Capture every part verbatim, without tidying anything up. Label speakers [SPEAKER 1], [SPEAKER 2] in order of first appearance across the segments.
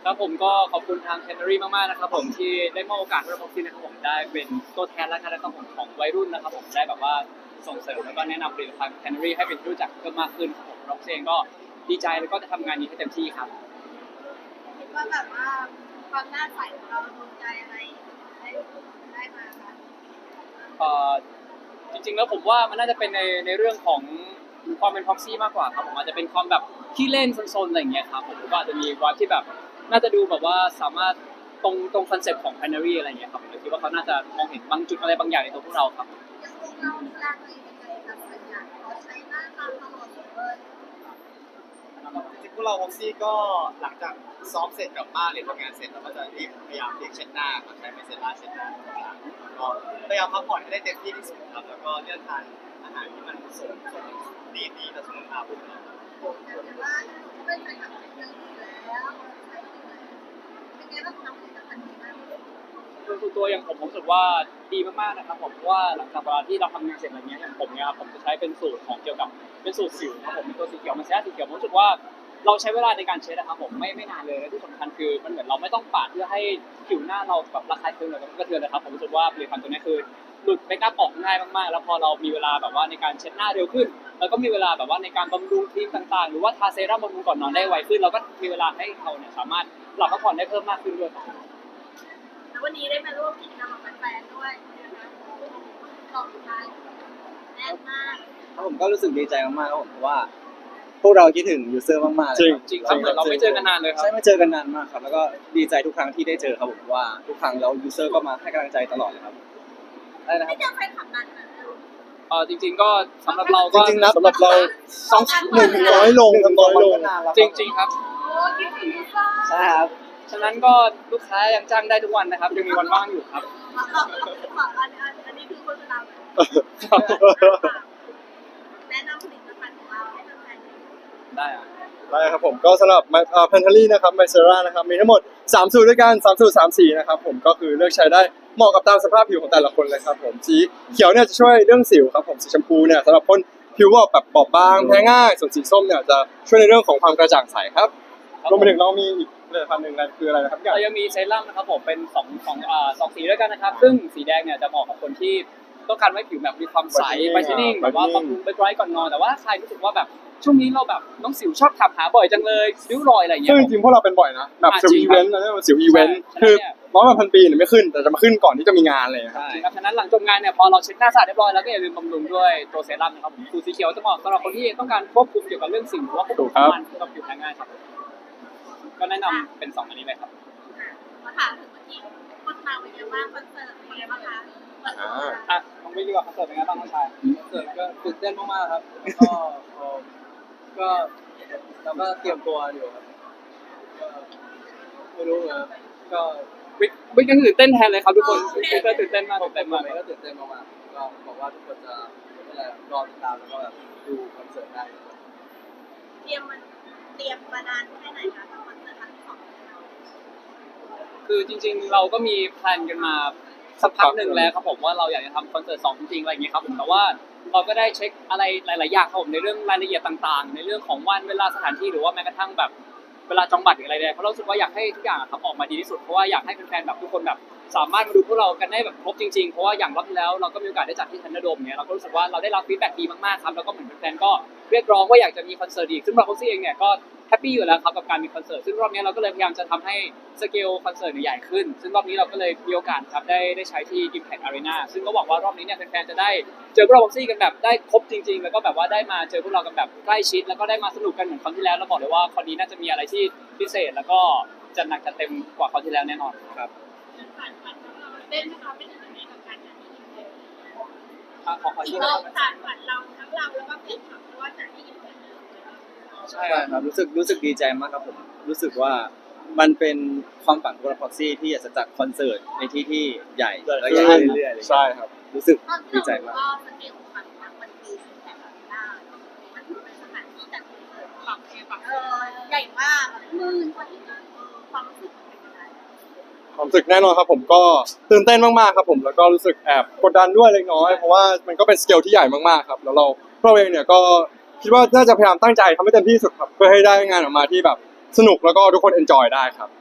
[SPEAKER 1] ครับผมก็ขอบคุณทาง Canary มากๆนะครับผมที่ได้มอบโอกาสให้เราพ็อกซี่นะครับผมได้เป็นตัวแทนและการนะครับผมของวัยรุ่นนะครับผมได้แบบว่าส่งเสริมแล้วก็แนะนำผลิตภัณฑ์ Canary ให้เป็นที่รู้จักเพิ่มมากขึ้นครับผมพ็อกซี่เองก็ดีใจแล้วก็จะทำงานนี้ให้เต็มที่ครับ
[SPEAKER 2] คิดว่าแบบว่าความหน้าใสของเราโดนใจอะไรได้ได้มาคะ
[SPEAKER 1] เอ่อจริงๆแล้วผมว่ามันน่าจะเป็นในในเรื่องของความเป็นพ็อกซี่มากกว่าครับผมอาจจะเป็นความแบบขี้เล่นซนๆอะไรอย่างเงี้ยครับผมก็อาจจะมีวัดที่แบบน่าจะดูแบบว่าสามารถตรงตรงคอนเซ็ปต์ของ Canary อะไรอย่างเงี้ยครับผมคิดว่าเขาน่าจะมองเห็นบางจุดอะไรบางอย่างในตัวพวกเราครับ
[SPEAKER 2] ยังคงเราดูแลตัวเองยังไงคะส่วนใหญ่เราใช้หน้าตาตลอดเลย
[SPEAKER 3] จริงๆพวกเราพ็อกซี่ก็หลังจากซ้อมเสร็จกลับบ้านเรียนทำงานเสร็จเราก็จะรีบพยายามเรียกเช็ดหน้าก็ใช้ไมเซล่าเช็ดหน้าทุกครั้งก็พยายามพักผ่อนให้ได้เต็มที่ที่สุดครับแล้วก็เลือกทานอาหารที่มันสมสมดีดีต่อสุขภาพของเรา
[SPEAKER 2] แต่ว่าไม่ใช่ทำเป็นเรื่องอยู่แล้วใช้อยู่แล้วเป็นไงบ้างคะผลิตภัณฑ์นี้บ้าง
[SPEAKER 1] คือตัวอย่างผมผมรู้สึกว่าดีมากๆนะครับผมเพราะว่าหลังจากเวลาที่เราทำงานเสร็จอะไรเงี้ยอย่างผมเนี่ยครับผมจะใช้เป็นสูตรของเกี่ยวกับเป็นสูตรสิวครับผมเป็นตัวสีเขียวมันแซ่สีเขียวผมรู้สึกว่าเราใช้เวลาในการเช็ดนะครับผมไม่ไม่นานเลยและที่สำคัญคือมันเหมือนเราไม่ต้องปาดเพื่อให้ผิวหน้าเราแบบระคายเคืองหรือว่ากระเทือนนะครับผมรู้สึกว่าผลิตภัณฑ์ตัวนี้คือหลุดเมคอัพออกง่ายมากๆแล้วพอเรามีเวลาแบบว่าในการเช็ดหน้าเร็วขึ้นแล้วก็มีเวลาแบบว่าในการบำรุงครีมต่างๆหรือว่าทาเซรั่มบำรุงก่อนนอนได้ไวขึ้นเราก็มีเวลาให้เราเนี่ยสามารถหลับพักผ่อนได้เพิ่มมากขึ้นด้วย
[SPEAKER 2] แล้ววันนี้ได้มาร่วมกิจกรรมกับแฟนๆด้วยนะคะขอบคุณค่ะแน่นมาก
[SPEAKER 4] ผมก็รู้สึกดีใจมากๆครับผมเพราะว่าพวกเราคิดถึงยูเซอร์มากๆเลยครับ
[SPEAKER 1] จริงครับเหมือนเราไม่เจอกันนานเลยครับ
[SPEAKER 4] ใช่ไม่เจอกันนานมากครับแล้วก็ดีใจทุกครั้งที่ได้เจอครับผมว่าทุกครั้งแล้วยูเซอร์ก็มาให้กำลังใจตลอดเลยครับได้นะครั
[SPEAKER 2] ไม่
[SPEAKER 4] บ
[SPEAKER 2] เจอแฟนคลับนานขนาดนั้น
[SPEAKER 1] เออจริงๆก็สำหรับเราก็
[SPEAKER 4] จริงๆนะสำหรับเรา
[SPEAKER 2] สอง
[SPEAKER 4] หนึ่งน้อยลงน้อยลง
[SPEAKER 1] จริงๆครับ
[SPEAKER 2] โอ้คิดถึงจ้า
[SPEAKER 4] ใช่ครับ
[SPEAKER 1] ฉะนั้นก็ลูกค้ายังจ้างได้ทุกวันนะครับยังมีวันว่างอยู่ครับ
[SPEAKER 2] อันนี้คือโฆษณาแนะนำผลิตภัณฑ์ของเราให้แฟนๆ
[SPEAKER 1] ได้อะ
[SPEAKER 3] ได้ครับผมก็สำหรับแพนทารี่นะครับไมเซรานะครับมีทั้งหมดสามสูตรด้วยกันสามสูตรสามสีนะครับผมก็คือเลือกใช้ได้เหมาะกับตามสภาพผิวของแต่ละคนเลยครับผมสีเขียวเนี่ยจะช่วยเรื่องสิวครับผมสีชมพูเนี่ยสำหรับคนผิวแบบบอบบางแพ้ง่ายส่วนสีส้มเนี่ยจะช่วยในเรื่องของความกระจ่างใสครับรวมไปถึงเรามีอีกผลิตภัณฑ์หนึ่งนั่นคืออะไรนะครับ
[SPEAKER 1] เรายังมีเซรั่มนะครับผมเป็นสองสองอ่าสองสีด้วยกันนะครับซึ่งสีแดงเนี่ยจะเหมาะกับคนที่ต้องการให้ผิวแบบมีความใสไบรท์นิ่งแบบว่าบำรุงไบรท์ก่อนนอนแต่ว่าใครรู้สึกว่าแบบช่วงนี้เราแบบน้องสิวชอบถามหาบ่อยจังเลยริ้วรอยอะไรอย่างเงี้ย
[SPEAKER 3] ซึ่งจริงๆพวกเราเป็นบ่อยนะแบบสิวอีเวนต์นะสิวอีเวนต์คือร้อยวันพันปีเนี่ยไม่ขึ้นแต่จะมาขึ้นก่อนที่จะมีงานเลยครับ
[SPEAKER 1] ใช่ครับฉะนั้นหลังจบงานเนี่ยพอเราเช็ดหน้าสะอาดเรียบร้อยแล้วก็อย่าลืมบำรุงด้วยตัวเซรั่มนะครับผมสูตรสีเขียวจะเหมาะสำหรับคนที่ต้องการควบคุมเกี่ยวกับเรื่องสิวหรือว่าควบคุมมันเกี่ยวกับผิวแพ้ง่ายครับก็แนะนำเป็นสองอันนี้เลยครับ
[SPEAKER 2] มาถามถึงวันที่โฆษณาเป็นยังไงบ้างคอนเสิร์ตเป็นยังไงบ้างคะ
[SPEAKER 1] อ่ะต้องไปดูว่าคอนเสิร์ตเป็นไงบ้างน้องชาย
[SPEAKER 4] คอนเสิร์ตก็ตื่นเต้นมากๆครับก็ก็เราก็เตรียมตัวอยู่ครับก็ไม่รู้นะก็
[SPEAKER 1] วิกวิกยังตื่นเต้นแทนเลยครับทุกคนวิกก็ตื่นเต้นมากตื่นเต้นมาก
[SPEAKER 4] ก็ตื่นเต้นมากๆก็บอกว่าทุกคนจะอะไรรอติดตามแล้วก็แบบดูคอนเสิร์ตได้
[SPEAKER 2] เตรียมมันเตรียมมานานแค่ไหนคะกับคอนเสิร์ตครั้งที่สอง
[SPEAKER 1] คือจริงๆเราก็มีแพลนกันมาสักพักหนึ่งแล้วครับผมว่าเราอยากจะทำคอนเสิร์ตสองจริงๆอะไรอย่างเงี้ยครับผมแต่ว่าเราก็ได้เช็คอะไรหลายๆอย่างครับผมในเรื่องรายละเอียดต่างๆในเรื่องของวันเวลาสถานที่หรือว่าแม้กระทั่งแบบเวลาจองบัตรหรืออะไรเนี่ยเพราะเราสึกว่าอยากให้ทุกอย่างครับออกมาดีที่สุดเพราะว่าอยากให้แฟนๆแบบทุกคนแบบสามารถมาดูพวกเรากันได้แบบครบจริงๆเพราะว่าอย่างรอบที่แล้วเราก็มีโอกาสได้จัดที่ทันเดอร์โดมเนี่ยเราก็รู้สึกว่าเราได้รับฟีดแบ็กดีมากๆครับแล้วก็เหมือนแฟนๆก็เรียกร้องว่าอยากจะมีคอนเสิร์ตอีกซึ่งเราพ็อกซี่เองเนี่ยก็แฮปปี้อยู่แล้วครับกับการมีคอนเสิร์ตซึ่งรอบนี้เราก็เลยพยายามจะทำให้สเกลคอนเสิร์ตใหญ่ขึ้นซึ่งรอบนี้เราก็เลยมีโอกาสครับได้ได้ใช้ที่ Impact Arena ซึ่งก็หวังว่ารอบนี้เนี่ยแฟนๆจะได้เจอพวกเราพ็อกซี่กันแบบได้ครบจริงๆแล้วก็แบบว่าได้มาเจอพวกเรากันแบบใกล้ชิดแล้วก็ได้มาสนุกกันเหมือนครั้งที่แล้วเราบอกเลยว่าคราวนี้น่าจะมีอะไรที่พิเศษแล้วก็จะหนักจะเต็มกว่าคราวที่แล้วแน่นอนครับ
[SPEAKER 2] เล่นนะคะเป็นยังไงกับการจัดที่อินเตอร์
[SPEAKER 1] ขอขอที่
[SPEAKER 2] เราสานฝันเราทั้งเราแล้วก็เพื่อนขับเพราะว่าจัดที่อินเตอร์
[SPEAKER 4] ใช่ครับรู้สึกรู้สึกดีใจมากครับผมรู้สึกว่ามันเป็นความฝันของเราพ็อกซี่ที่อยากจะจัดคอนเสิร์ตในที่ที่ใหญ่และใหญ่เรื่อยๆ
[SPEAKER 3] ใช่ครับ
[SPEAKER 4] รู้สึกดีใจมาก
[SPEAKER 2] ก็สเกลของมันมันคือแบบได้มันเป็นสถานที่จัดคอนเสิร์ตฝั่งฝั่งใหญ่มากหมื่นกว่าที่นั่งความรู้สึก
[SPEAKER 3] ความรู้สึกแน่นอนครับผมก็ตื่นเต้นมากๆครับผมแล้วก็รู้สึกแอบกดดันด้วยเล็กน้อยเพราะว่ามันก็เป็นสเกลที่ใหญ่มากๆครับแล้วเราเราเองเนี่ยก็คิดว่าน่าจะพยายามตั้งใจทำให้เต็มที่สุดครับเพื่อให้ได้งานออกมาที่แบบสนุกแล้วก็ทุกคนเอนจอยได้ครับ
[SPEAKER 2] โจทย์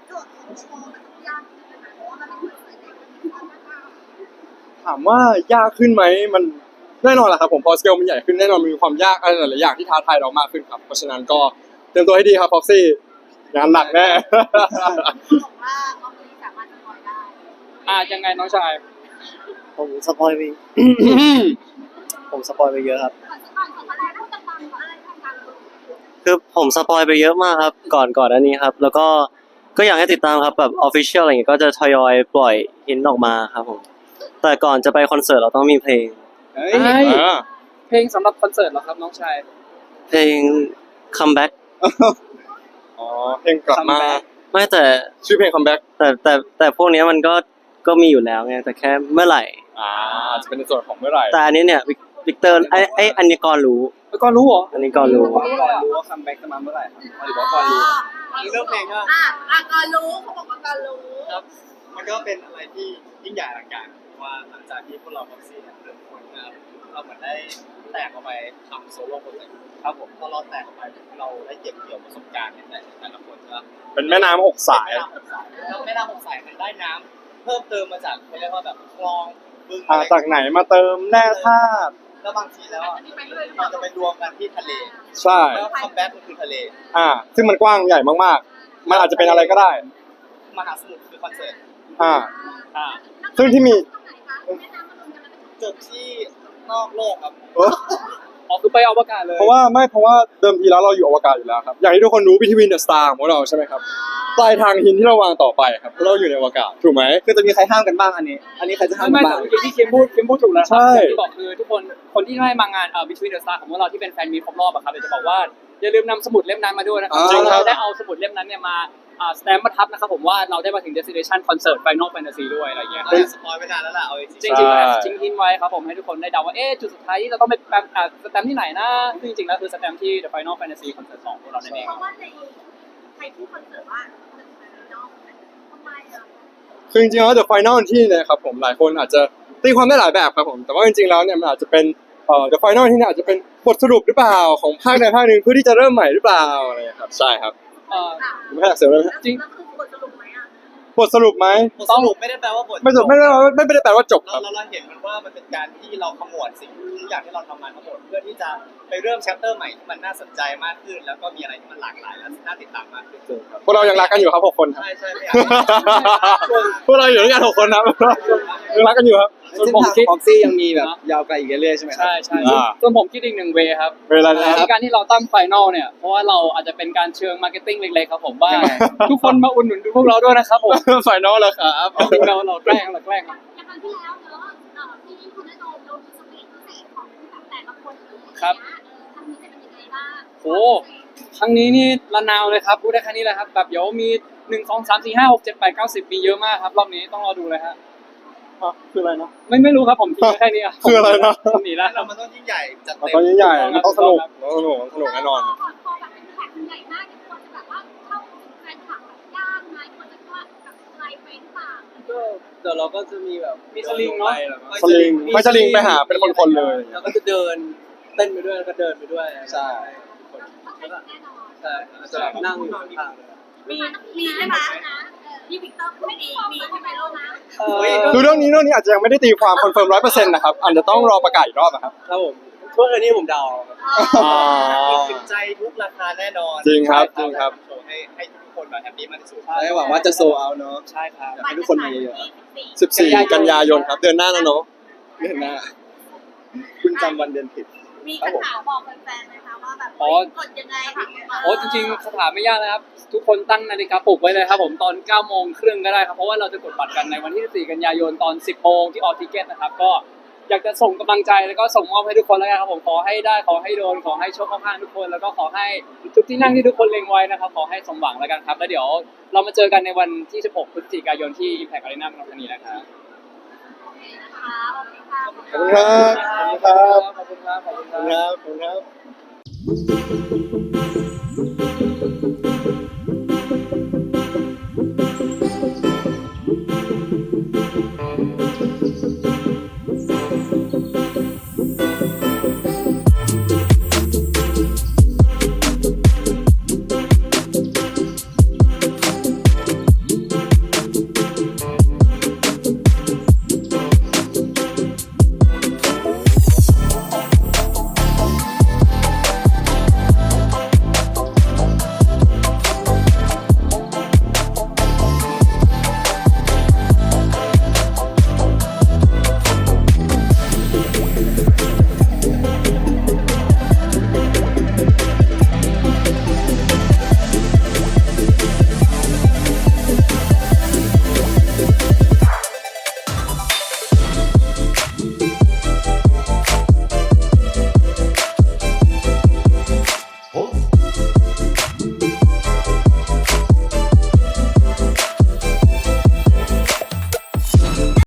[SPEAKER 2] โชว์มันต้องยากขึ้นนะคะเพราะว่ามันเป็นคอนเสิร์ตใหญ่ที่ค่อนข้าง
[SPEAKER 3] ถามว่ายากขึ้นไหมมันแน่นอนแหละครับผมพอสเกลมันใหญ่ขึ้นแน่นอนมีความยากอะไรหลายๆอย่างที่ท้าทายเรามากขึ้นครับเพราะฉะนั้นก็เตรียมตัวให้ดีครับพ็อกซี่งานหนักแน่
[SPEAKER 2] บอกว่าเขาไม่สามารถสปอยได้
[SPEAKER 1] อ่ายังไงน้องชาย
[SPEAKER 5] ผมสปอยไป ผมสปอยไปเยอะครับ
[SPEAKER 2] ก่อนก่อนก่อนอะไรต้องจะฟังอะไรทางการรู้
[SPEAKER 5] คือผมสปอยไปเยอะมากครับ ก่อนก่อนอันนี้ครับ แล้วก็ก็อยากให้ติดตามครับแบบออฟฟิเชียลอะไรอย่างเงี้ยก็จะทยอยปล่อยหินออกมาครับผม แต่ก่อนจะไปคอนเสิร์ตเราต้องมีเพลง
[SPEAKER 4] เฮ้ย
[SPEAKER 1] เฮ้ย
[SPEAKER 3] อ่า
[SPEAKER 1] เพลงสำหรับคอนเสิร์ตเหรอครับน้องชาย
[SPEAKER 5] เพลง comeback
[SPEAKER 3] อ๋อเพลงกลับมา
[SPEAKER 1] Comeback
[SPEAKER 5] ไม่แต่
[SPEAKER 3] ชื่อเพลงคัมแบ็ก
[SPEAKER 5] แต่แต่แต่พวกเนี้ยมันก็ก็มีอยู่แล้วไงแต่แค่เมื่อไหร่
[SPEAKER 3] อ่าอาจจะเป็นในส่วนของเมื่อไหร่
[SPEAKER 5] แต่อันนี้เนี่ยวิกวิกเตอร์ไอ้ไอ้อันนี้ก่อนรู้
[SPEAKER 1] แล้วก็รู้เหรอ
[SPEAKER 5] อันนี้ก่อนรู้
[SPEAKER 1] ก่อนรู้ว่าคัมแบ็กจะมาเมื่อไหร่ครับหรือว่าก่อนรู้
[SPEAKER 2] นี่เรื่องเพลงอ่ะอ่ะก่อนรู้เขาบอกว่าก่อนรู้
[SPEAKER 6] มันก็เป็นอะไรที่ยิ่งใหญ่อลังการว่าหลังจากที่พวกเราบ็อกซี่เนี่ยเริ่มคนนะครับเราเหมือนได้แตกออกไปทำโซโล่โปรเจกต์ครับผมพอเราแตกออกไปเราได้เก็บเกี่ยวประสบการณ์ในแต่แต่ละคนใช่ไหม
[SPEAKER 3] เป็นแม่น้ำหกสาย
[SPEAKER 6] แม่น้ำหกสายแล้วแม่น้ำหกสายมันได้น้ำเพิ่มเติมมาจากเขาเรียกว่าแบบคลองบึง
[SPEAKER 3] อ่า
[SPEAKER 6] อะไร
[SPEAKER 3] จากไหนมาเติมแร่ธาตุ
[SPEAKER 6] แล้วบางทีแล้วอะมันจะไปรวมกันที่ทะเล
[SPEAKER 3] ใช่
[SPEAKER 6] แล้วคัมแบ็กก็คือทะเล
[SPEAKER 3] อ่า ซึ่งมันกว้างใหญ่มากๆ มันอาจจะเป็นอะไรก็ได้
[SPEAKER 6] มหาสมุทรคือคอนเสิร์ต
[SPEAKER 3] อ่า
[SPEAKER 1] อ่า
[SPEAKER 3] ซึ่งที่มี
[SPEAKER 6] จบที่นอกโลกครับ
[SPEAKER 3] เออ
[SPEAKER 1] อ๋อคือไปอวกาศเลย
[SPEAKER 3] เพราะว่าไม่เพราะว่าเดิมทีแล้วเราอยู่อวกาศอยู่แล้วครับ อย่างที่ทุกคนรู้ Between the Star ของเราใช่ไหมครับ ปลายทางหินที่เราวางต่อไปครับเพราะเราอยู่ในอวกาศถูกไหม
[SPEAKER 4] คือจะมีใครห้ามกันบ้างอันนี้ อันนี้ใครจะห้าม
[SPEAKER 1] ไม่
[SPEAKER 4] กัน
[SPEAKER 1] ไม่
[SPEAKER 4] บ้าง
[SPEAKER 1] แต่เมื่อกี้ที่คิมพูดคิมพูดถูกแล้วค
[SPEAKER 3] ใช่
[SPEAKER 1] รัอย่างที่บอกคือทุกคนคนที่ได้มางานเอ่อ Between the Stars ของพวกเราที่เป็นแฟนมีตครบรอบอะครับเดี๋ยวจะบอกว่าอย่าลืมนำสมุดเล่มนั้นมาด้วยนะครับ
[SPEAKER 3] จริงครับ
[SPEAKER 1] เราได้เอาสมุดเล่มนั้นเนี่ยมาอ่าสแตมป์มาทับนะครับผมว่าเราได้มาถึง destination concert Final Fantasy ด้วยอะไรอย่างเงี้ย
[SPEAKER 6] เราจะสปอยไปนานแล้วล่ะเอาจริง
[SPEAKER 1] จริงๆแล้วทิ้งทิ้งไว้ครับผมให้ทุกคนได้เดาว่าเอ๊ะจุดสุดท้ายที่เราต้องไปแปมอ่าสแตมป์ที่ไหนนะซึ่งจริงๆแล้วคือสแตมป์ที่ The Final Fantasy Concert สองของเรานั่นเอง
[SPEAKER 2] เพราะว่าในใครพูดคอนเสิร์ตว่าเป็นนอกทำไมอ่ะ
[SPEAKER 3] คือจริงๆแล้ว The Final ที่เนี่ยครับผมหลายคนอาจจะตีความได้หลายแบบครับผม แต่ว่าจริงๆแล้วเนี่ยมันอาจจะเป็นเอ่อ The Final ที่เนี่ยอาจจะเป็นบทสรุปหรือเปล่าของภาคใดภาคหนึ่งเพื่อที่จะเริ่มใหม่หรือเปล่าอะไรอย่างเงี้ยครับใช่ครับ
[SPEAKER 1] เอ่อ
[SPEAKER 3] ไม่ให้อยากเสริมเลยไหม
[SPEAKER 1] จริง
[SPEAKER 2] แล้วคือบทสรุปไหมอ่ะ
[SPEAKER 3] บทสรุปไหม
[SPEAKER 6] ๆบทสรุปไม่ได้แปลว่าบท
[SPEAKER 3] ไม่จบไม่ได้ไม่ไม่ได้แปลว่าจบค
[SPEAKER 6] เรา
[SPEAKER 3] รับ
[SPEAKER 6] เราเราเห็นมันว่ามันเป็นการที่เราขมวดสิ่งทุกอย่างที่เราทำมาทั้งหมดเพื่อที่จะไปเริ่มแชปเตอร์ใหม่ที่มันน่าสนใจมากขึ้น แล้วก็มีอะไรที่มันหลากหลายและน่าติดตามมากขึ้น
[SPEAKER 3] พวกเรายังรักกันอยู่ครับหกคนครับ
[SPEAKER 6] ใช่ใช่ไม่อยากให้
[SPEAKER 3] พวกเราอยู่ด้วยกันหกคนครับยังรักกันอยู่ครับ
[SPEAKER 1] ส่วน
[SPEAKER 4] เส้น
[SPEAKER 1] ผม
[SPEAKER 4] ทาง
[SPEAKER 1] คิด
[SPEAKER 4] พ็อกซี่ยังมีแบบยาวไกลอีกเรื่อยๆใช่ไหมครับ
[SPEAKER 1] ใช่ใช่
[SPEAKER 3] อ่า
[SPEAKER 1] ส่วนผมคิดอีกหนึ่งเวครับ
[SPEAKER 3] เวลานะค
[SPEAKER 1] ใน
[SPEAKER 3] รับ
[SPEAKER 1] การที่เราตั้งไฟนอลเนี่ย เพราะว่าเราอาจจะเป็นการเชิงมาร์เก็ตติ้งเล็กๆครับผมว่า ทุกคนมาอุดหนุนพวกเราด้วยนะครับผม
[SPEAKER 3] ไฟนอลแล้วครับ
[SPEAKER 1] จริงๆเราเราแกล้งเราแกล้ง
[SPEAKER 2] อย่างครั้งที่แล้วเนอะเอ่อที่คุณได้โดนโดนสเปซพิเศษของแบบแต่ละคนเลย
[SPEAKER 1] ครับ
[SPEAKER 2] เออครั้งนี้จะเป็นยังไงบ้าง
[SPEAKER 1] โอ้ ครั้งนี้นี่ระนาวเลยครับพูดได้แค่นี้เลยครับแบบเดี๋ยวมีหนึ่งสองสามสี่ห้าหกเจ็ดแปดเก้าสิบมีเยอะมากครับรอบนี้ต้องรอดูเลยฮะ
[SPEAKER 3] อ่ะคืออะไรนะ
[SPEAKER 1] ไม่ไม่รู้ครับผมทิ้งไว้แค่นี้อะ
[SPEAKER 3] คืออะไรนะ
[SPEAKER 1] ผมหนีแล้ว
[SPEAKER 6] เรามันต้องยิ่งใหญ่จัด
[SPEAKER 3] แล้ว
[SPEAKER 6] เต็
[SPEAKER 3] ก็
[SPEAKER 6] ม
[SPEAKER 3] ใหญ่ๆมันต้องสนุกต้องสนุกต้องสนุกแน่นอน
[SPEAKER 2] พอพอแบบเป็นแขกใหญ่มากเนี่ยควรจะแบบว่าเข้าถึงแฟนคลับแบบยากไหมควรจะว่าแบบไกลไปหรือเปล่า
[SPEAKER 4] ก็เดี๋ยวเราก็จะมีแบบ
[SPEAKER 1] มีสลิงเนาะ
[SPEAKER 3] สลิงไม่สลิงไปหาเป็นคนๆเลย
[SPEAKER 4] แล้วก็จะเดินเต้นไปด้วยแล้วก็เดินไปด้วย ใช่
[SPEAKER 2] เข้าใจแน่นอน
[SPEAKER 4] ใช่แล้วจะแบบนั่งอยู่ข้างๆเลย
[SPEAKER 2] มีมีใช่ไหมพี่วิกเตอร์ไม่ดีมีใช่ไหมลูกนะ
[SPEAKER 4] เฮ้ย
[SPEAKER 3] คือเรื่องนี้เรื่องนี้อาจจะยังไม่ได้ตีความคอนเฟิร์มร้อยเปอร์เซ็นต์นะครับอาจจะต้องรอประกาศอีกรอบนะครับ
[SPEAKER 4] ครับผมเพื่อนนี้ผมเดา
[SPEAKER 3] อ่า
[SPEAKER 6] ติดใจทุกราคาแน่นอน
[SPEAKER 3] จริงครับจริงครับ
[SPEAKER 6] โชว์ให้ให้ทุกคนแบบแฮปปี้มากที่สุด
[SPEAKER 4] และหวังว่าจะโซเอาเนาะ
[SPEAKER 1] ใช่ครับ
[SPEAKER 4] อยากให้ทุกคนมาเยอะๆครับ
[SPEAKER 3] สิบสี่กันยายนครับเดือนหน้าแล้วเนาะ
[SPEAKER 4] เดือนหน้าคุณจำวันเดือนผิด
[SPEAKER 2] มีคำถามบอกแฟนๆไหมคะว่าแบบ
[SPEAKER 1] อ๋อ
[SPEAKER 2] กดยังไง
[SPEAKER 1] โอ้จริงๆคาถามไม่ยากนะครับ ทุกคนตั้งนาฬิกาปลุกไว้เลยครับผมตอนเก้าโมงครึ่งก็ได้ครับเพราะว่าเราจะกดบัตรกันในวันที่สิบสี่กันยายนตอนสิบโมงที่ออทิเกตนะครับก็อยากจะส่งกำลังใจแล้วก็ส่งมอบให้ทุกคนแล้วกันครับผมขอให้ได้ขอให้โดนขอให้โชคเข้าข้างทุกคน แล้วก็ขอให้ทุกที่นั่งที่ทุกคนเล็งไว้นะครับขอให้สมหวังแล้วกันครับแล้วเดี๋ยวเรามาเจอกันในวันที่สิบหกพฤศจิกายนที่ Impact Arena เมืองทองธานีนะครับ
[SPEAKER 2] โอเคนะคะโอเคค่ะ
[SPEAKER 3] ขอบคุณครับ ขอบคุณครับ
[SPEAKER 1] ขอบคุณครับขอบคุณ
[SPEAKER 3] ขอบ
[SPEAKER 1] ค
[SPEAKER 3] คุณ
[SPEAKER 1] รับ
[SPEAKER 3] ครับขอบคุณครับ